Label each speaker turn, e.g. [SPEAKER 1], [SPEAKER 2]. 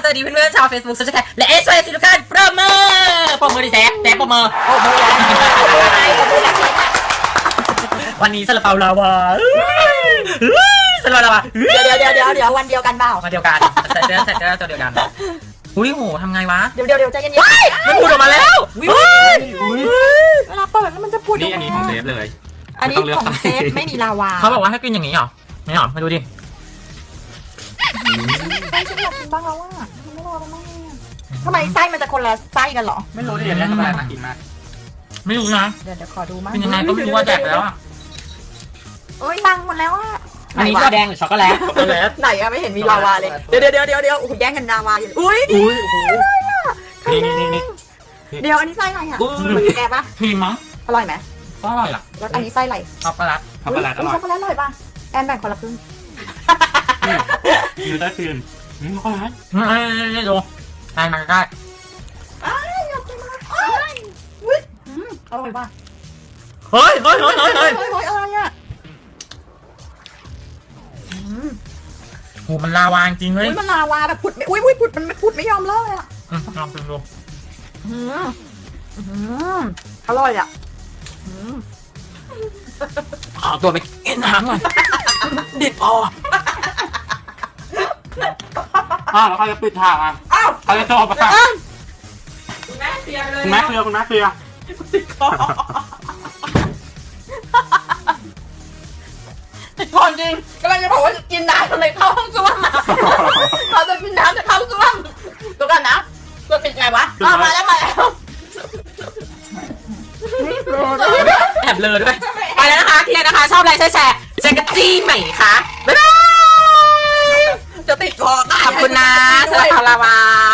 [SPEAKER 1] วัสดีเพื่อนๆชาว Facebook โซเชียลแคร์และSOS ทุกท่านปรบมือดิแซ่ปรบมือวันนี้ซาลาเปาลาวาซาลาเปาลาวา
[SPEAKER 2] เดี๋ยววันเดียวกันเปล่า
[SPEAKER 1] มาเดียวกันใส่เสื้อตัวเดียวกันอุ้ยโหทำไงวะ
[SPEAKER 2] เดี๋ยวใจเย็นๆ
[SPEAKER 1] มันพูดออกมาแล้ว
[SPEAKER 2] เวลาเปิดแล้วมันจะพูด
[SPEAKER 3] นี่อันนี้ของเซฟเลย
[SPEAKER 2] อันนี้ของเซฟไม่มีลาวา
[SPEAKER 1] เขาบอกว่าให้กินอย่างนี้เหรอไม่หรอมาดูดิ
[SPEAKER 2] ไส้ฉันอยากกินบ้างแล้วอ่ะไม่รอแล้วมั้งทำไมไส้มันจะคนละไส้กันหรอ
[SPEAKER 3] ไม่รู้ดิเดี๋ยวทำอะไรมากินมา
[SPEAKER 1] ไม่รู้นะ
[SPEAKER 2] เดี๋ยวขอดูมั้ง
[SPEAKER 1] เป็นยังไงก็ไม่รู้ว่าแดกแล้วอ่ะ
[SPEAKER 2] โอ้ยตังหมดแล้วอ่ะ
[SPEAKER 1] อันนี้ตัวแดงหรือช็อกโกแลต
[SPEAKER 2] ไหนอะไม่เห็นมีลาวาเลยเดี๋ยวโอ้โหแย่งกันลาวาอยู่อุ้ย
[SPEAKER 3] นี่
[SPEAKER 2] เดี๋ยวอันนี้ไส้อะไรอ่ะแกปะ
[SPEAKER 1] ครีมมั้ง
[SPEAKER 2] อร่อยไหม
[SPEAKER 1] ก็อร่อยล่ะ
[SPEAKER 2] แล้วอันนี้ไส้อะไร
[SPEAKER 1] ช็อกโกแลต
[SPEAKER 3] ช็อกโกแลตอร่อย
[SPEAKER 2] ช็อกโกแลตอร่อยป่ะแอนแบ่งคนละครึ่ง
[SPEAKER 3] อยู่ได้คืนช็อกโกแลต
[SPEAKER 1] นี่ดูได้มาได้
[SPEAKER 2] อยากกินมากอุ้ยอร่อยป่ะ
[SPEAKER 1] เฮ้ย
[SPEAKER 2] อะไรอ่ะ
[SPEAKER 1] โหมันลาวาจริงเลย
[SPEAKER 2] มันลาวาแบบผุดไม่ผุดมันไม่ผุดไม่ยอมเลิกเลยอ่ะ
[SPEAKER 1] ลองดู
[SPEAKER 2] อร่อยอ่ะ
[SPEAKER 1] ขอตัวไปกินน้ำหน่อยดิบพอ
[SPEAKER 3] แล้วเขาจะปิดฉากอ่ะเขาจะจบอ่ะ
[SPEAKER 2] คุณแม่เคลียร์ไปเลย
[SPEAKER 3] คุณแม่เคลียร์
[SPEAKER 2] ติดคอจริงกำลังจะบอกว่าจะกินน้ำทำไมเข้าห้องส้วมมาเราจะกินน้ำจะเข้าส้วมตัวกันนะตัวเป็นไงวะมาแล้ว
[SPEAKER 1] แอบเลยด้วยไปแล้วนะคะเคลียร์นะคะชอบอะไรแชร์เจอกันจี้ใหม่ค่ะบ๊ายบาย
[SPEAKER 2] จะติดคอ
[SPEAKER 1] ขอบคุณนะสำหรับลาวา